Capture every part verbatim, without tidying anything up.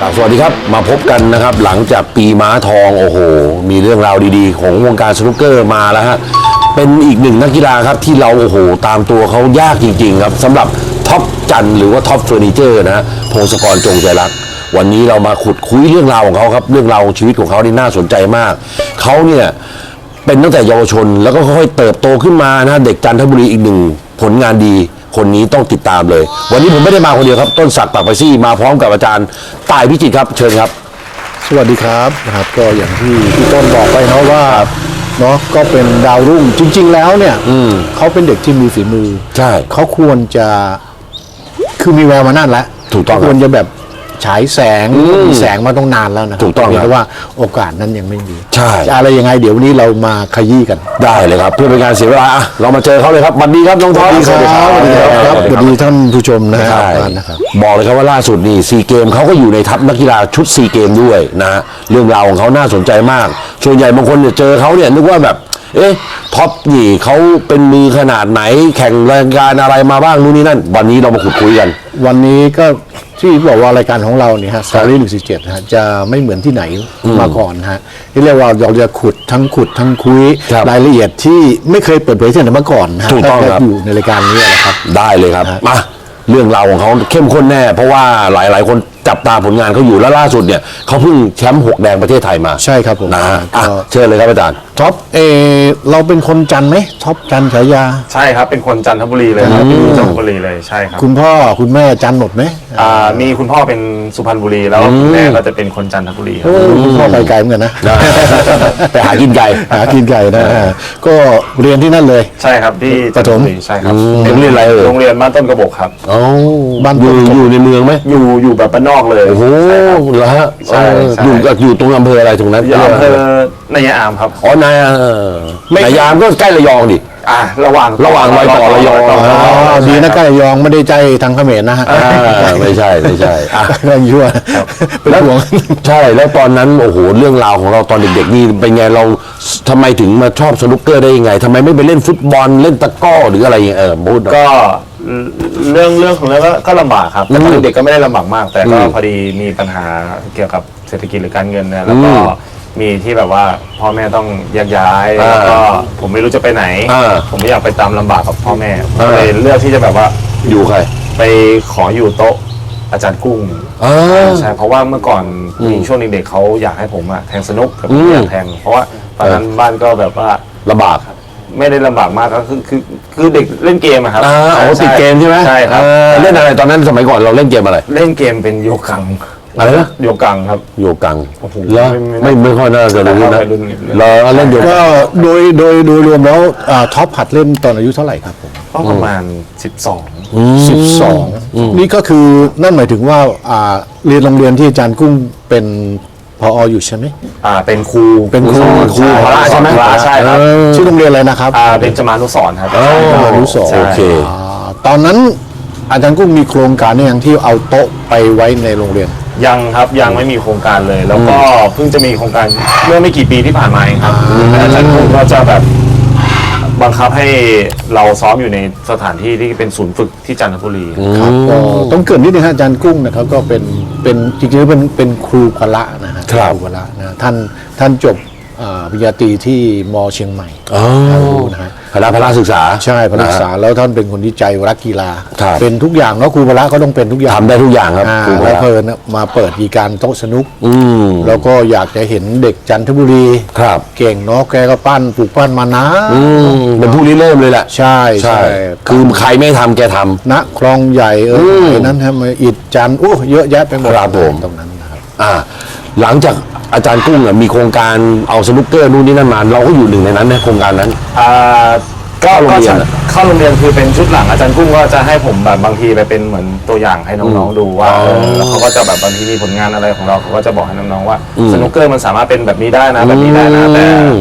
สวัสดีครับมาพบกันนะครับหลังจากปีม้าทองโอ้โหมีเรื่องราวดีๆของวงการสนุกเกอร์มาแล้วฮะเป็นอีกหนึ่งนักกีฬาครับที่เราโอ้โหตามตัวเขายากจริงๆครับสำหรับท็อปจันหรือว่าท็อปเฟอร์นิเจอร์นะฮะพงศกรจงใจรักวันนี้เรามาขุดคุยเรื่องราวของเขาครับเรื่องราวของชีวิตของเขานี่น่าสนใจมากเขาเนี่ยเป็นตั้งแต่เยาวชนแล้วก็ค่อยๆเติบโตขึ้นมานะเด็กจันทบุรีอีกหนึ่งผลงานดีคนนี้ต้องติดตามเลยวันนี้ผมไม่ได้มาคนเดียวครับต้นศักดิ์ปากไปซี่มาพร้อมกับอาจารย์ต่ายพิจิตรครับเชิญครับสวัสดีครับนะครับก็อย่างที่พี่ต้นบอกไปเนาะว่าเนาะก็เป็นดาวรุ่งจริงๆแล้วเนี่ยเขาเป็นเด็กที่มีฝีมือใช่เขาควรจะคือมีแววมานานแล้วถูกต้องควรจะแบบฉายแสงมีแสงมาต้องนานแล้วนะถูกต้องแต่ว่าโอกาสนั้นยังไม่มีใช่อะไรยังไงเดี๋ยววันนี้เรามาขยี้กันได้เลยครับเพื่อเป็นการเสียเวลาอะเรามาเจอเขาเลยครับสวัสดีครับน้องท็อปสวัสดีครับสวัสดีครับสวัสดีท่านผู้ชมนะครับบอกเลยครับว่าล่าสุดนี่ซีเกมเขาก็อยู่ในทัพนักกีฬาชุดซีเกมด้วยนะฮะเรื่องราวของเขาน่าสนใจมากส่วนใหญ่บางคนเนี่ยเจอเขาเนี่ยนึกว่าแบบเอ๊ะท็อปนี่เขาเป็นมือขนาดไหนแข่งรายการอะไรมาบ้างนู่นนี่นั่นวันนี้เรามาขุดคุยกันวันนี้ก็ที่บอกว่ารายการของเราเนี่ยฮะสตอรี่หนึ่งสี่เจ็ดฮะจะไม่เหมือนที่ไหนมาก่อนฮะที่เรียกว่าเราจะขุดทั้งขุดทั้งคุยรายละเอียดที่ไม่เคยเปิดเผยที่ไหนมาก่อนฮะถูกต้องครับอยู่ในรายการนี้แหละครับได้เลยครับมาเรื่องราวของเขาเข้มข้นแน่เพราะว่าหลายๆคนจับตาผลงานเขาอยู่แล้วล่าสุดเนี่ยเขาเพิ่งแชมป์หกแดงประเทศไทยมาใช่ครับผมนะเชิญเลยครับอาจารย์ท็อปเอเราเป็นคนจันไหมท็อปจันฉายาใช่ครับเป็นคนจันทบุรีเลยครับเป็นจันทบุรีเลยใช่ครับคุณพ่อคุณแม่จันหมดไหมอ่ามีคุณพ่อเป็นสุพรรณบุรีแล้วคุณแม่ก็จะเป็นคนจันทบุรีครับคุณพ่อไปไกลเหมือนกันนะไปหากินไก่หากินไก่นะก็เรียนที่นั่นเลยใช่ครับที่จันทบุรีใช่ครับโรงเรียนอะไรเอ่ยโรงเรียนบ้านต้นกระบอกครับอ๋อบ้านอยู่อยู่ในเมืองไหมอยู่อยู่แบบบ้านนอกเลยโอ้โหเหรอฮะอยู่อยู่ตรงอำเภออะไรตรงนั้นอำเภอนายามครับอ๋อนายนายามก็ใกล้ระยองดิอ่าระหว่างระหว่างรอยต่อระยองดีนะใกล้ระยองไม่ได้ใจทางเขมรนะฮะไม่ใช่ไม่ใช่เรื่องยั่วเป็นห่วงใช่แล้วตอนนั้นโอ้โหเรื่องราวของเราตอนเด็กๆนี่เป็นไงเราทำไมถึงมาชอบสนุกเกอร์ได้ยังไงทำไมไม่ไปเล่นฟุตบอลเล่นตะก้อหรืออะไรอย่างเงี้ยเออพูดก็เรื่องเรื่องของเรื่องก็ลำบากครับแต่ตอนเด็กก็ไม่ได้ลำบากมากแต่ก็พอดีมีปัญหาเกี่ยวกับเศรษฐกิจหรือการเงินเนี่ยแล้วก็มีที่แบบว่าพ่อแม่ต้องแยกย้ายแล้วก็ผมไม่รู้จะไปไหนผมไม่อยากไปตามลำบากกับพ่อแม่เลยเลือกที่จะแบบว่าอยู่ใครไปขออยู่โต๊ะอาจารย์กุ้งใช่เพราะว่าเมื่อก่อนมีช่วงเด็กๆเขาอยากให้ผมอะแทงสนุกแต่ผมอยากแทงเพราะว่าตอนนั้นบ้านก็แบบว่าลำบากไม่ได้ลำบากมากก็คือคือคือเด็กเล่นเกมอะครับอ๋อติดเกมใช่ไหมใช่ครับเล่นอะไรตอนนั้นสมัยก่อนเราเล่นเกมอะไรเล่นเกมเป็นโยกังอะไรนะโยกังครับโยกังแล้วไม่ไม่ค่อยน่าจะรู้นะเราเล่นโยกังก็โดยโดยโดยรวมแล้วท็อปหัดเล่นตอนอายุเท่าไหร่ครับผมก็ประมาณสิบสองสิบสองนี่ก็คือนั่นหมายถึงว่าเรียนโรงเรียนที่อาจารย์กุ้งเป็นพออยู่ใช่ไหมอ่าเป็นครูเป็นครูครูพระใช่ไหมใช่ครับชื่อโรงเรียนอะไรนะครับอ่าเป็นจมานุสรณ์ครับจมานุสรณ์โอเคตอนนั้นอาจารย์กุ้งมีโครงการอย่างที่เอาโต๊ะไปไว้ในโรงเรียนยังครับยังไม่มีโครงการเลยแล้วก็เพิ่งจะมีโครงการเมื่อไม่กี่ปีที่ผ่านมาเองครับอาจารย์กุ้งก็จะแบบบังคับให้เราซ้อมอยู่ในสถานที่ที่เป็นศูนย์ฝึกที่จันทบุรีครับก็ต้องเกิดนิดนึงฮะอาจารย์กุ้งนะครับก็เป็นเป็นจริงๆเป็นเป็นครูพละนะฮะครูพละนะท่านท่านจบปริญญาตรีที่มอเชียงใหม่นะฮะคณะพละศึกษาใช่พละศึกษาแล้วท่านเป็นคนที่ใจรักกีฬาเป็นทุกอย่างเนาะครูพละก็ต้องเป็นทุกอย่างทำได้ทุกอย่างครับครูพละเพลินมาเปิดกิจการโต๊ะสนุกแล้วก็อยากจะเห็นเด็กจันทบุรีเก่งเนาะแกก็ปั้นปลูกปั้นมานะเป็นผู้ริเริ่มเลยแหละใช่ใช่คือใครไม่ทำแกทำณคลองใหญ่เออนั้นทำอิฐจันโอ้เยอะแยะไปหมดตรงนั้นนะครับอ่าหลังจากอาจารย์กุ้งมีโครงการเอาสนุกเกอร์นู่นนี่นั่นมาเราก็อยู่หนึ่งในนั้นนะโครงการนั้นอ่าก็เข้าโรงเรียนเข้าโรงเรียนคือเป็นชุดหลังอาจารย์กุ้งก็จะให้ผมแบบบางทีไปเป็นเหมือนตัวอย่างให้น้องๆดูว่าแล้วเขาก็จะแบบบางทีมีผลงานอะไรของเราเขาก็จะบอกให้น้องๆว่าสนุกเกอร์มันสามารถเป็นแบบนี้ได้นะแบบนี้ได้นะแต่แ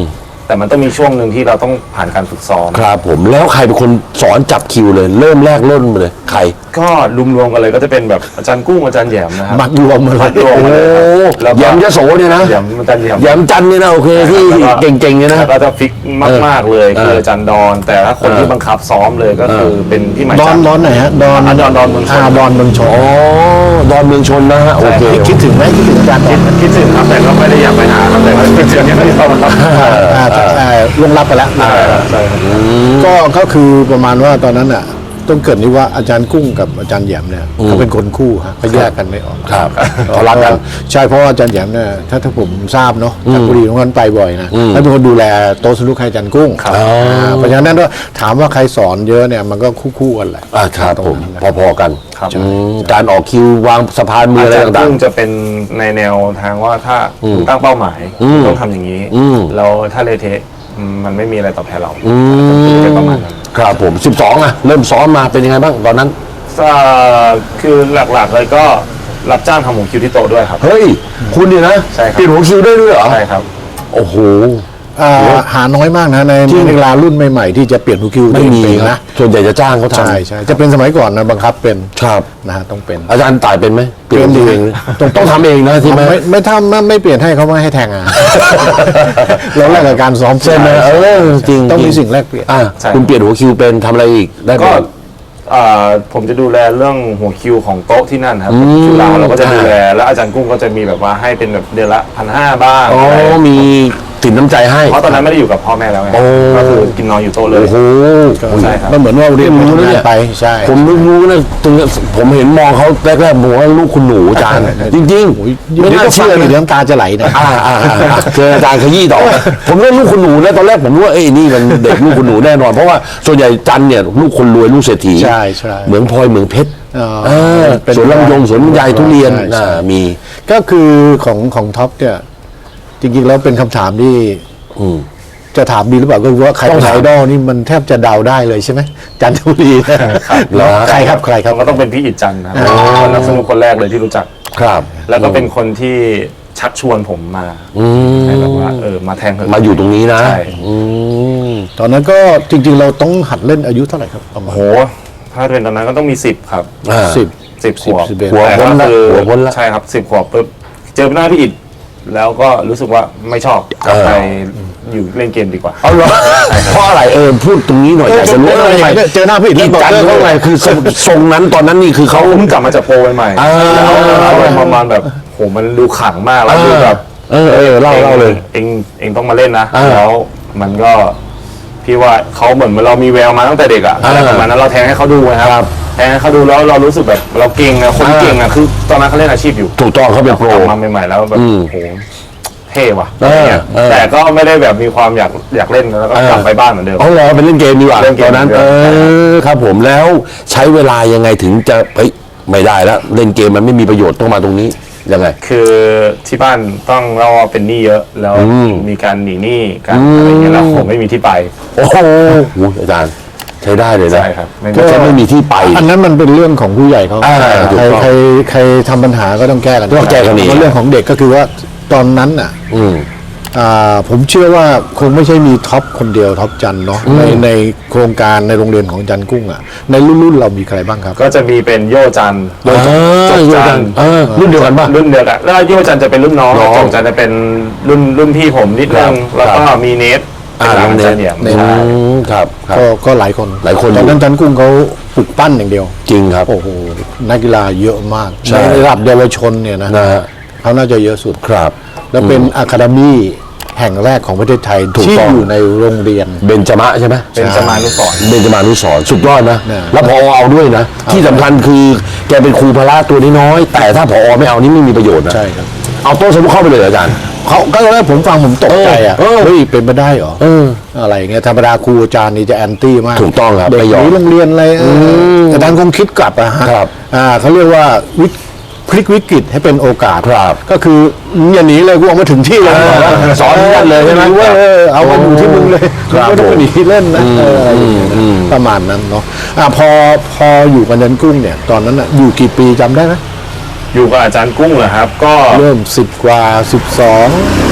แต่มันต้องมีช่วงหนึ่งที่เราต้องผ่านการฝึกซ้อมครับผมแล้วใครเป็นคนสอนจับคิวเลย เริ่มแรกเริ่มมาเลยใครก็รวมๆกันเลยก็จะเป็นแบบอาจารย์กุ้งอาจารย์แหยมนะครับมัดรวมมาเลยมัดรวมมาเลยครับแล้วก็แยมยโสเนี่ยนะแหยมอาจารย์แหยมแยมจันทร์เนี่ยนะโอเคที่แล้วก็เก่งๆเนี่ยนะแล้วก็จะฟิกมากๆเลยเออคืออาจารย์ดอน แต่ถ้าคนที่บังคับซ้อมเลยก็คือเป็นพี่หมายดอจันนทร์ดอนไหนฮะดอนอ่าดอนดอนเมืองชนาดอนเมืองชนอ๋อดอนเมืองชนนะฮะโอเคคิดถึงไหมคิดถึงอาจารย์ดอนไหมคิดถึงครับแต่ก็ไม่ได้อยากไปหาครับแต่ว่าคิดถึงอย่างที่เขาครับอ่าอ่าอ่าลงรับไปแล้วใช่ครับก็ก็คือประมาณว่าตอนนั้นอ่ะต้องเกริดนี่ว่าอาจารย์กุ้งกับอาจารย์แหยมเนี่ยเขาเป็นคนคู่ฮะเขาแยกกันไม่ออกครับเขารักกันใช่เพราะว่าอาจารย์แหยมเนี่ยถ้าถ้าผมทราบเนาะจากบุรีตรงนั้นไปบ่อยนะให้เป็นคนดูแลโต๊ะสนุกให้อาจารย์กุ้งครับอ่าเพราะฉะนั้นก็ถามว่าใครสอนเยอะเนี่ยมันก็คู่ๆกันแหละอ่าครับผมพอๆกันครับอืมการออกคิววางสะพานมืออาอะไรจารย์ต่างกุ้งจะเป็นในแนวทางว่าถ้าคุณตั้งเป้าหมายอืมต้องทำอย่างนี้อืมแล้วถ้าเละเทะอืมมันไม่มีอะไรตอบแทนเราๆอืมเป็นประมาณนั้นครับผมสิบสองอ่ะเริ่มซ้อมมาเป็นยังไงบ้างตอนนั้นเอ่อคือหลักๆเลยก็รับจ้างทำหัวคิวที่โต๊ะด้วยครับเฮ้ยคุณเนี่ยนะใช่ครับเปลี่ยนหัวคิวได้ด้วยเหรอใช่ครับโอ้โหอ่าหาน้อยมากนะในจริงในเวลารุ่นใหม่ๆที่จะเปลี่ยนฮูคิวไม่มีเป็นครันะบส่วนใหญ่จะจ้างเขาทำใช่ใช่จะเป็นสมัยก่อนนะบังคับเป็นครับนะฮะต้องเป็นอาจารย์ต่ายเป็นไหมเปลี่ยนเป็นดิเองต้องต้องทำเองนะที่ไหมไม่ไม่ทำไม่ไม่เปลี่ยนให้เขาไม่ให้แทงอ่ะ เราแลกกับการซ้อมใช่ไหมเออจริงต้องมีจริสิ่งแลกเปลี่ยนอ่ะใช่คุณเปลี่ยนหัวคิวเป็นทำอะไรอีกได้ไหมก็เอ่อผมจะดูแลเรื่องหัวคิวของโต๊ะที่นั่นครับอืมคิวเราเราก็จะดูแลแล้วอาจารย์กุ้งก็จะมีแบบว่าให้เป็นแบบเดือนละพันห้าบ้างอ๋ออะไรมีสินน้ำใจให้เพราะตอนนั้นไม่ได้อยู่กับพ่อแม่แล้วไงโอ้ก็คือกินนอนอยู่โต๊ะเลยโอ้โหใช่ครับมันเหมือนว่าเรียนไม่รู้นะเนี่ยไปใช่ผมไม่รู้นะตรงเนี้ยผมเห็นมองเขาแรกๆบอกว่าลูกคุณหนูอาจารย์ จริงๆไม่ไม่น่าน่าเชื่เชื่ออนะเดี๋ยวน้ำตาจะไหลนะอ่าอ่าอ่าอ่าเจออาจารย์ขยี้ต่อ ผมเรียกลูกคุณหนูนะตอนแรกผมรู้ว่าเอ้ยนี่มันเด็กลูกคุณหนูแน่นอนเพราะว่าส่วนใหญ่จันเนี่ยลูกคนรวยลูกเศรษฐีใช่ใช่เหมืองพลอยเหมืองเพชรอ๋อเออเป็นสวนลำยงสวนลำไยทุเรียนใช่ใช่อ่ามีก็คือของของท็อปเนี่ยจริงๆแล้วเป็นคำถามที่อืมจะถามดีหรือเปล่าก็คือว่าใครต้อเป็งนถามไอดอลนี่มันแทบจะเดาได้เลยใช่ไหมจันทบุรีนะเหรอใครครับใครครับก็ต้องเป็นพี่อิดจันทร์ครับคนนักสนุกคนแรกเลยที่รู้จักครับแล้วก็เป็นคนที่ชักชวนผมมาอืมให้แบบว่าเออมาแทงเถอะมาอยู่ตรงนี้นะใช่อืมตอนนั้นก็จริง ๆ เราต้องหัดเล่นอายุเท่าไหร่ครับประมาณโหถ้าเรียนตอนนั้นก็ต้องมีสิบครับอ่าสิบสิบขวบสิบเอ็ดหัวแต่พ้นก็ละคือหัวพ้นละใช่ครับสิบขวบปุ๊บเจอหน้าพี่อิดแล้วก็รู้สึกว่าไม่ชอบกลับเออไปอยู่เล่นเกมดีกว่าเอาเหรอเพราะอะไรเออพูดตรงนี้หน่อยอยากจะรู้ว่าทำไมเจอหน้าพี่อิฐอีแล้วบอกจันเลิกเพราะอะไรคือทรงทรงนั้นตอนนั้นนี่คือเขาเขาเพิ่งกลับมาจากโปรใหม่ๆอ่าแล้วเขาประมาณแบบโหมันดูขลังมากแล้วเออดูแบบเออเออเล่าเล่าเลยเองเองต้องมาเล่นนะอ่าแล้วมันก็พี่ว่าเขาเหมือนเรามีแววมาตั้งแต่เด็กอะอ่าอะไรประมาณนั้นเราแทงให้เขาดูนะครับแทงให้เขาดูแล้วเรารู้สึกแบบเราเก่งอะคนอ่าเก่งอะคือตอนนั้นเขาเล่นอาชีพอยู่ถูกต้องเขาเป็นโปรกลับมาใหม่ๆแล้วแบบอืมโหเท่ว่ะเอออะไรเงี้ยเออแต่ก็ไม่ได้แบบมีความอยากอยากเล่นแล้วก็กลับไปบ้านเหมือนเดิมเอาเหรอไปเล่นเกมดีกว่าเล่นเกตมอนนั้นเหมืเออนเดิมอครับผมแล้วใช้เวลายังไงถึงจะเฮ้ยไม่ได้แล้วเล่นเกมมันไม่มีประโยชน์ต้องมาตรงนี้ยังไงคือที่บ้านต้องเราเป็นหนี้เยอะแล้วอืมมีการหนีหนี้กันอะไรเงี้ยแล้วผมไม่มีที่ไปโอ้โหอาจารย์ใช้ได้เลยนะใช่ครับไม่มีก็จะไม่มีที่ไปอันนั้นมันเป็นเรื่องของผู้ใหญ่เขาอ่าถูกใครต้องใครใครทำปัญหาก็ต้องแก้กันต้องแก้กันเองเพราะเรื่องของเด็กก็คือว่าตอนนั้นอ่ะอืมอ่าผมเชื่อว่าคงไม่ใช่มีท็อปคนเดียวท็อปจันเนาะในในโครงการในโรงเรียนของจันกุ้งอ่ะในรุ่นรุ่นเรามีใครบ้างครับก็จะมีเป็นโยจันทร์เออจบโยจัจันนทร์เออรุ่นเดียวกันป่ะรุ่นเดียวกันแล้วโยจันทร์จะเป็นรุ่นน้องน้องจบจันทร์จะเป็นรุ่นรุ่นพี่ผมนิดนึงครับแล้วก็มีเนทอ่าเป็นหลานน้องเนทจันเหยียมเนทใช่อืมครับครับก็ก็หลายคนหลายคนอยู่ตอนนั้นจันกุ้งเขาปลุกปั้นอย่างเดียวจริงครับโอ้โหนักกีฬาเยอะมากใช่ในระดับเยาวชนเนี่ยนะนะฮะเขาน่าจะเยอะสุดครับแล้วเป็นอะคาเดมี่แห่งแรกของประเทศไทยถูกที่ต้องอยู่ในโรงเรียนเบญจมะใช่ไหมเป็นจมานุสรณ์เบญจมานุสรณ์สุดยอดนะเนี่ยแล้วพอเอาด้วยนะ ที่สำคัญคือแกเป็นครูพละตัวน้อยๆแต่ถ้าพอไม่เอานี่ไม่มีประโยชน์นะใช่ครับเอาโต๊ะสนุกเข้าไปเลยเหรออาจารย์เขาก็ตอนแรกผมฟังผมตกใจอ่ะเออเออเฮ้ยเป็นไปได้เหรอเอออะไรอย่างเงี้ยธรรมดาครูอาจารย์นี่จะแอนตี้มากถูกต้องครับเด็กไม่หยอมนีโรงเรียนอะไรเออแต่อาจารย์คงคิดกลับอะฮะครับอ่าเขาเรียกว่าวิพลิกวิกฤตให้เป็นโอกาสครับก็คืออย่าหนีเลยกูออกมาถึงที่เลยเออบอกว่าสอนกันเลยใช่ไหมว่าเออเอามาอยู่ที่มึงเลยครับไม่ต้องไปหนีเล่นนะเอออะไรอย่างเงี้ยอืมนะประมาณนั้นเนาะอ่าพอพออยู่กับอาจารย์กุ้งเนี่ยตอนนั้นอะอยู่กี่ปีจำได้ไหมอยู่กับอาจารย์กุ้งเหรอครับ ก็เริ่มสิบกว่าสิบสอง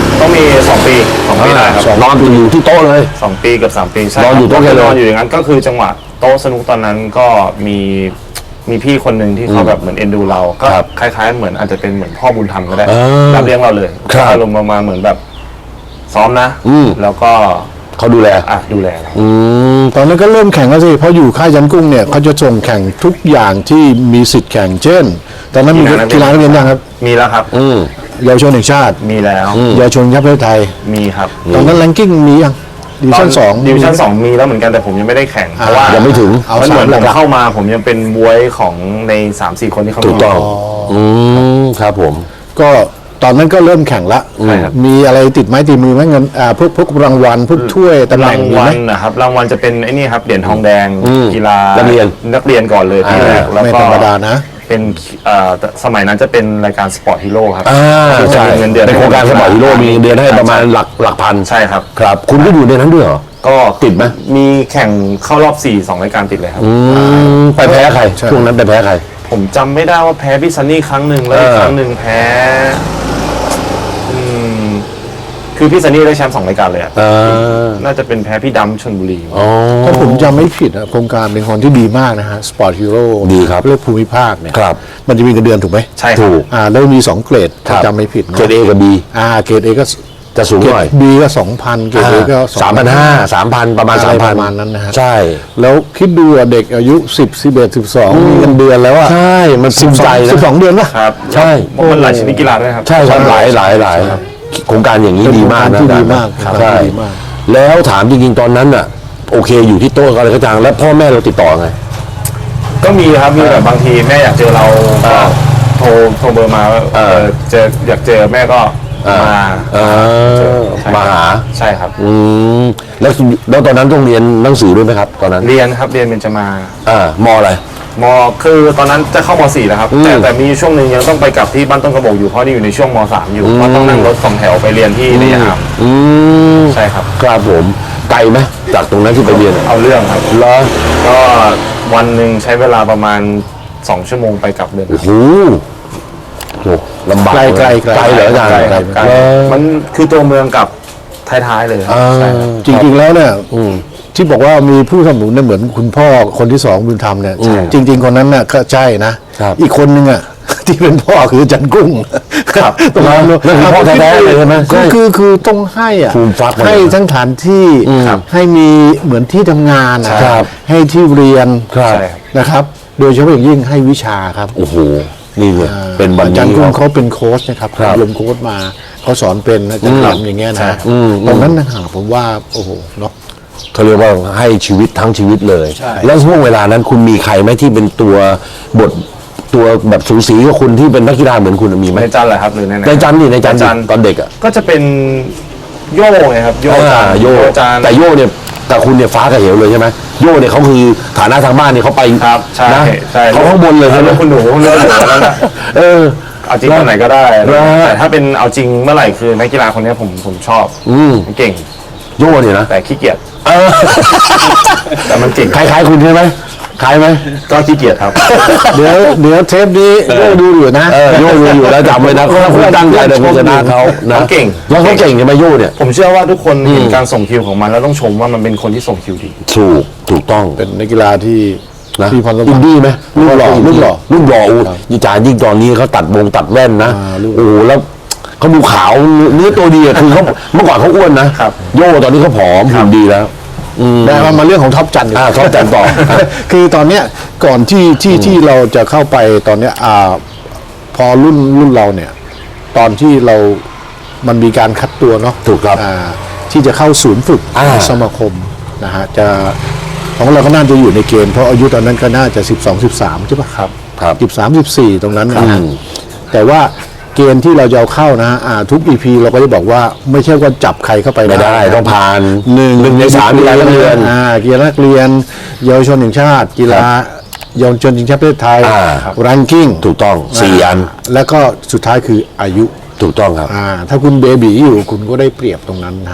ต้องมีสองปีสองปีได้ครับนอนอยู่ที่โต๊ะเลยสองปีกับสามปีใช่นอนอยู่โต๊ะก็เลยนอนอยู่อย่างนั้นก็คือจังหวะโต๊ะสนุกตอนนั้นก็มีมีพี่คนหนึ่งที่เขาแบบเหมือนเอ็นดูเรา ก็ครับคล้ายๆเหมือนอาจจะเป็นเหมือนพ่อบุญธรรมก็ได้เออรับเลี้ยงเราเลยครับอารมณ์ประมาณเหมือนแบบซ้อมนะอืมแล้วก็เขาดูแลอ่ะดูแลเราอืมตอนนั้นก็เริ่มแข่งแล้วสิเพราะอยู่ค่ายจันกุ้งเนี่ยเขาจะส่งแข่งทุกอย่างที่มีสิทธิ์แข่งเช่น ตอนนั้นมีกีฬานักเรียนยังครับมีแล้วครับอืมเยาวชนแห่งชาติมีแล้วเยาวชนประเทศไทยมีครับตอนนั้นแรงกิ้งมียังดิวิชั่นสองดิวิชั่นสองมีแล้วเหมือนกันแต่ผมยังไม่ได้แข่งเพราะว่ายังไม่ถึงเอามันเหมือนสามผมหลักๆเข้ามาผมยังเป็นบวยของใน สามสี่ คนที่เข้ามาถูกต้อง อืมครับผมก็ตอนนั้นก็เริ่มแข่งละใช่ครับมีอะไรติดไม้ติดมือไหมเงินอ่าพวกพวกรางวัลพวกถ้วยตำแหราน่งงมีวัไหมลนะครับรางวัลจะเป็นไอ้นี่ครับเหรียญทองแดงอืมกีฬานันักเรียนนักเรียนก่อนเลยที่แรกแล้วไม่ก็ธรรมดานะเป็นเอ่อสมัยนั้นจะเป็นรายการสปอร์ตฮีโร่ครับอ่าที่จะใช่มีเงินเดือนเป็นโครงการสปอร์ตฮีโร่มีเงินเดือนให้ประมาณหลักหลักพันใช่ครับครับ คุณก็อยู่ในนั้นด้วยเหรอก็ติดไหมมีแข่งเข้ารอบสี่สองรายการติดเลยครับอืมไปแพ้ใครใช่ช่วงนั้นไปแพ้ใครผมจำไม่ได้ว่าแพ้พี่ซันนี่ครั้งหนึ่งแล้วอีกเออครั้งหนึ่งแพ้อืมคือพี่ซันนี่ได้แชมป์สองรายการเลยอะอ่าน่าจะเป็นแพ้พี่ดำชลบุรีอ๋อถ้าผมจำไม่ผิดอะโครงการเป็นคนที่ดีมากนะฮะสปอร์ตฮีโร่ดีครับเลือกภูมิภาคเนี่ยครับมันจะมีเงินเดือนถูกไหมใช่ครับถูกอ่าแล้วมีสองเกรดถ้าจำไม่ผิดนะเกรดเอกับบีอ่าเกรดเอก็จะสูงเกรหน่อยดบีก็สองพันเกรดเอก็สามพันห้าสามพันประมาณอะไรสามปพันระมาณนั้นนะฮะใช่แล้วคิดดูอะเด็กอายุสิบสิบเอ็ดสิบสองมีเงินเดือนแล้วอะใช่ มันภูมิใจนะสิบสองเดือนป่ะครับใช่มันหลายชนิดกีฬาด้วยครับใช่ครับหลายหลายหลายโครงการอย่างนี้เป็นดีมากโครงนะการที่ดีมากครับโครงการใช่ที่ดีมากแล้วถามจริงๆตอนนั้นน่ะ โอเคอยู่ที่โต๊ะอะไรก็จังแล้วพ่อแม่เราติดต่อไงก็มีครับมีแบบบางทีแม่อยากเจอเราก็อ่าโทรโทรเบอร์มาว่าอ่าเออเจออยากเจอแม่ก็มาอ่าใช่มาหาใช่ครับอืมแล้วแล้วตอนนั้นต้องเรียนหนังสือด้วยไหมครับ ตอนนั้นเรียนครับเรียนเบญจมาอ่ามออะไรมคือตอนนั้นจะเข้ามสี่แล้วครับอืมแต่แต่มีช่วงหนึ่งยังต้องไปกลับที่บ้านต้นกระบอกอยู่เพราะนี่อยู่ในช่วงมสามอยู่เพราะต้องนั่งรถสองแถวไปเรียนที่ระยะห่างอืมใช่ครับครับผมไกลไหมจากตรงนั้นที่ไปเรียนเอาเรื่องครับเหรอก็วันหนึ่งใช้เวลาประมาณสองชั่วโมงไปกลับเดินโอ้โหโหลำบากไกลไกลไกลไกลเหรออาจารย์ไกลครับไกลเหรอมันคือตัวเมืองกับท้ายๆเลยครับอ่าใช่ครับจริงๆแล้วเนี่ยอืมที่บอกว่ามีผู้สนับสนุนเนี่ยเหมือนคุณพ่อคนที่สองบุญธรรมเนี่ยใช่จริง ๆ คนนั้นน่ะก็ใช่นะครับ อีกคนนึงอ่ะ ที่เป็นพ่อคือจันกุ้งครับตรงนั้นนั่นคือพ่อแท้ๆเลยใช่ไหมก็ใช่คือคือต้องให้อ่ะภูมิฟักมาให้ทั้งฐานที่ครับให้มีเหมือนที่ทำงานอะครับให้ที่เรียนครับใช่ครับนะครับ โดยเฉพาะอย่างยิ่งให้วิชาครับโอ้โห นี่เลยเป็นวันอาจารนี้ย์กุ้งคเขารับเป็นโค้ชนะครับครับลงโค้ชมาเขาสอนเป็นอาจารย์แหลมอย่างเงี้ยใช่นะอืมตรงนั้นนะฮะผมว่าโอ้โหเนาะเขาเรียกว่าให้ชีวิตทั้งชีวิตเลยใช่แล้วช่วงเวลานั้นคุณมีใครไหมที่เป็นตัวบทตัวแบบสูสีกับคุณที่เป็นนักกีฬาเหมือนคุณมีไหมในจันทร์เหรอครับหรือในไหนในจันนี่ในจันในจันทร์ตอนเด็กอ่ะก็จะเป็นโย่ไงครับโย่จานอ่าโยจานแต่โยเนี่ยแต่คุณเนี่ยฟ้ากับเหวเลยใช่ไหมโยเนี่ยเขาคือฐานะทางบ้านเนี่ยเขาไปครับใช่นะใช่เขาข้างบนเลยใช่ไหมแล้วคุณหนูเลือกหนูแล้วนะเออเอาจริงตอนไหนก็ได้แล้วแต่ถ้าเป็นเอาจริงเมื่อไหร่คือนักกีฬาคนนี้ผมผมชอบอืมเก่งโยเนี่ยนะแต่ขี้เกียจเออแต่มันเก่งคล้ายๆคุณใช่ไหมคล้ายไหมก็ขี้เกียจครับเดี๋ยวเดี๋ยวเทปนี้โยดูอยู่นะเออโยดูอยู่แล้วจำไว้นะถ้าคุณตั้งใจจะคุณชนะเขานะเขาเก่งแล้วเขาเก่งใช่ไหมโยเนี่ยผมเชื่อว่าทุกคนเห็นการส่งคิวของมันแล้วต้องชมว่ามันเป็นคนที่ส่งคิวดีถูกถูกต้องเป็นนักกีฬาที่นะที่พรสวรรค์อินดี้ไหมรูปหล่อรูปหล่อรูปหล่ออูยี่จานยิ่งตอนนี้เขาตัดวงตัดแว่นนะอ่ารูปโอ้โหแล้วเขาดูขาวเนื้อตัวดีอะคือเขาเมื่อก่อนเขาอ้วนนะครับ โยตอนนี้เขาผอมหุ่นดีแล้วได้มามาเรื่องของท็อปจันทร์ดีกว่าอ่าท็อปจันทร์ต่อคือตอนเนี้ยก่อนที่ที่ที่เราจะเข้าไปตอนเนี้ยอ่าพอรุ่นรุ่นเราเนี่ย ตอนที่เรามันมีการคัดตัวเนาะถูกครับอ่าที่จะเข้าศูนย์ฝึกอ่าสมาคมนะฮะจะของเราก็น่าจะอยู่ในเกณฑ์เพราะอายุตอนนั้นก็น่าจะสิบสองสิบสามใช่ปะครับครับสิบสามสิบสี่ตรงนั้นนะฮะอืมแต่ว่าเกณฑ์ที่เราจะเอาเข้านะฮะอ่าทุก อี พี เราก็จะบอกว่าไม่ใช่ว่าจับใครเข้าไปไม่ได้ต้องผ่านหนึ่งหนึ่งในสามกีฬานักเรียนอ่ากีฬานักเรียนเยาวชนแห่งชาติ กีฬาเยาวชนชิงแชมป์ประเทศไทยอ่ารังกิ้งถูกต้องสี่อันแล้วก็สุดท้ายคืออายุถูกต้องครับอ่าถ้าคุณเบบีอยู่คุณก็ได้เปรียบตรงนั้นนะฮะ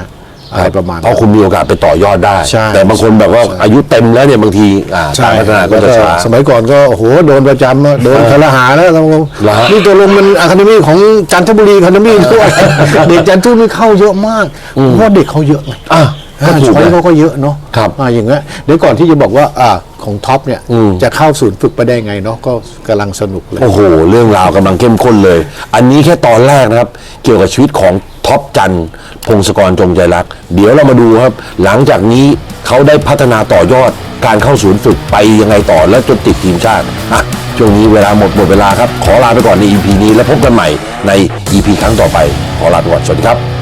อะไรประมาณเพราะคุณมีโอกาสไปต่อยอดได้ใช่แต่บางคนแบบว่าอายุเต็มแล้วเนี่ยบางทีอ่าการพัฒนาก็จะช้าสมัยก่อนก็โอ้โหโดนประจำอะโดนคารหาแล้วเราเหรอฮะนี่ตัวลงมันอะคาเดมี่ของจันทบุรีอะคาเดมี่ด้วยเด็กจันทบุรีเข้าเยอะมากเพราะว่าเด็กเขาเยอะไงอ่ะก็อ่าถูกช้อยนะเขาก็เยอะเนาะครับอ่าอย่างเงี้ยเดี๋ยวก่อนที่จะบอกว่าอ่าของท็อปเนี่ยอืมจะเข้าศูนย์ฝึกไปได้ไงเนาะก็กำลังสนุกเลยโอ้โห เรื่องราวกำลังเข้มข้นเลย อันนี้แค่ตอนแรกนะครับ เกี่ยวกับชีวิตของท็อปจันทร์พงศกรจงใจรัก เดี๋ยวเรามาดูครับ หลังจากนี้เขาได้พัฒนาต่อยอดการเข้าศูนย์ฝึกไปยังไงต่อและจนติดทีมชาติอ่ะช่วงนี้เวลาหมดหมดเวลาครับ ขอลาไปก่อนใน อี พี นี้แล้วพบกันใหม่ใน อี พี ครั้งต่อไป ขอลาไปก่อน สวัสดีครับ